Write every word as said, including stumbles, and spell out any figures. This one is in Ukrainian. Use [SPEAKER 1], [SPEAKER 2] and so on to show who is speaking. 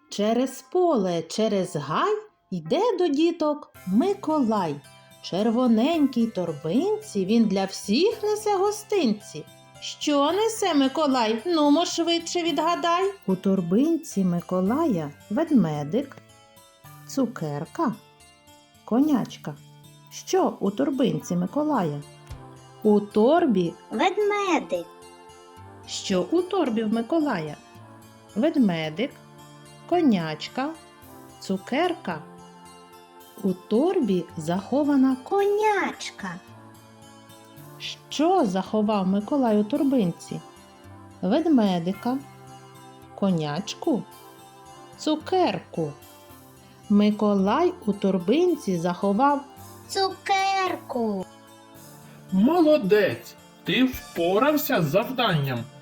[SPEAKER 1] Через поле, через гай йде до діток Миколай. Червоненькій торбинці він для всіх несе гостинці. Що несе Миколай? Нумо швидше відгадай. У торбинці Миколая ведмедик, цукерка, конячка. Що у торбинці Миколая? У торбі
[SPEAKER 2] Ведмедик,
[SPEAKER 1] Що у торбі в Миколая? Ведмедик, конячка, цукерка. У торбі захована ко...
[SPEAKER 2] конячка,
[SPEAKER 1] Що заховав Миколай у торбинці? Ведмедика, конячку, цукерку. Миколай у торбинці заховав.
[SPEAKER 2] цукерку.
[SPEAKER 3] Молодець! Ти впорався з завданням.